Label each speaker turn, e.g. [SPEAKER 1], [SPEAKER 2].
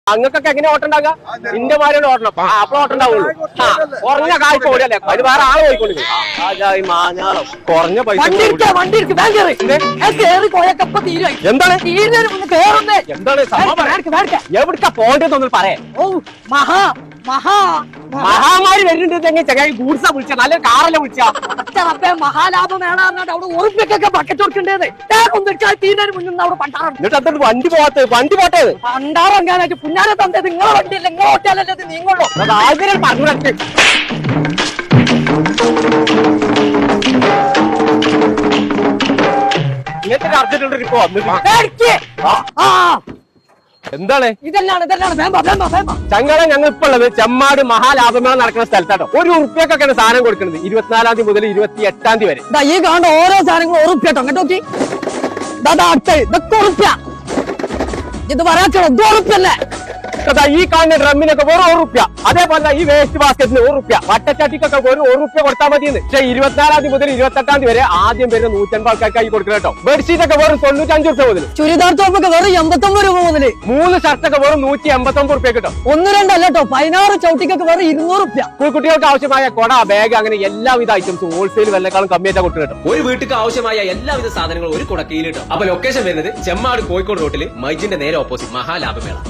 [SPEAKER 1] അങ്ങക്കൊക്കെ എങ്ങനെ ഓട്ടം ഉണ്ടാകുക? ഇന്റെ മാരിയുടെ ഓട്ടണം അപ്പളെ ഓട്ടം ഉണ്ടാവുള്ളൂ. കുറഞ്ഞ കാഴ്ച ഓടിയല്ലേ അത് വേറെ ആള് പോയിക്കൊണ്ടിരിക്കും. കുറഞ്ഞ പൈസ എന്താണ് എവിടക്കാ പോണ്ടെന്നൊന്നും പറയാം. മഹാമാരി വരുന്നുണ്ടെങ്കിൽ ചെറിയ ഗൂഡ്സാ വിളിച്ച നല്ല കാറല്ലേ വിളിച്ച
[SPEAKER 2] മഹാലാഭം വേണമെന്നിട്ട് അവിടെ ഉറപ്പിക്കൊക്കെ ബക്കറ്റ് കൊടുക്കേണ്ടത്
[SPEAKER 1] എന്നിട്ട് അത്ര വണ്ടി പോട്ടെ
[SPEAKER 2] പണ്ടാറങ്ങാനായിട്ട് പുന്നാരെ തന്നത് നിങ്ങളെ വണ്ടിയില്ല നിങ്ങൾ ഓട്ടാലല്ലേ നീങ്ങുള്ളൂ.
[SPEAKER 1] അത് ആഗ്രഹം പറഞ്ഞു ഇങ്ങനത്തെ അർജന്റുള്ള ഇപ്പൊ വന്നിട്ട് എന്താണ് ചങ്ങളെ ഞങ്ങൾ ഇപ്പൊ ഉള്ളത് ചെമ്മാട് മഹാലാഭമേള നടക്കുന്ന സ്ഥലത്താട്ടോ. ഒരു ഉറുപ്പ്യൊക്കെയാണ് സാധനം കൊടുക്കുന്നത് 24-ാം തീയതി മുതൽ 28-ാം തീയതി വരെ.
[SPEAKER 2] ഈ കാണുന്ന ഓരോ സാധനങ്ങളും ഉറുപ്പ്യാട്ടോ കേട്ടോ. ഇതൊക്കെ ഉറുപ്പ്യ ഇത് പറയാച്ചോ ഉറുപ്പ്യല്ലേ.
[SPEAKER 1] ഈ കാണുന്ന ഡ്രമ്മിനൊക്കെ വെറും ₹1. അതേപോലെ ഈ വേസ്റ്റ് ബാസ്കറ്റിന് ₹1. വട്ടച്ചാട്ടിക്കൊക്കെ വെറും ₹1 കൊടുത്താൽ മതിയെന്ന്. പക്ഷേ 24-ാം തീയതി മുതൽ 28-ാം തീയതി വരെ ആദ്യം വരുന്ന 150 ആൾക്കാർക്കായി കൊടുക്കണം കേട്ടോ. ബെഡ്ഷീറ്റ് ഒക്കെ വെറും ₹95 മുതൽ,
[SPEAKER 2] ചുരിദാർ ടോപ്പൊക്കെ വെറും ₹89 മുതൽ,
[SPEAKER 1] 3 ഷർട്ടൊക്കെ വെറും ₹189 കിട്ടും.
[SPEAKER 2] 1-2 അല്ല കേട്ടോ, 16 ചവിട്ടിക്കൊക്കെ വെറും ₹200.
[SPEAKER 1] കുട്ടികൾക്ക് ആവശ്യമായ കൊട, ബാഗ് അങ്ങനെ എല്ലാവിധ ഐറ്റംസും ഹോൾസെയിൽ വിലക്കാളും കമ്മിയായിട്ടാ കൊടുക്കണം കേട്ടോ.
[SPEAKER 3] ഒരു വീട്ടിലേക്ക് ആവശ്യമായ എല്ലാവിധ സാധനങ്ങളും ഒരു കുടക്കീയിൽ കിട്ടും. അപ്പൊ ലൊക്കേഷൻ വരുന്നത് ചെമ്മാട് കോഴിക്കോട് റോട്ടിൽ മൈജിന്റെ നേരെ ഓപ്പോസിറ്റ് മഹാലാഭമേള.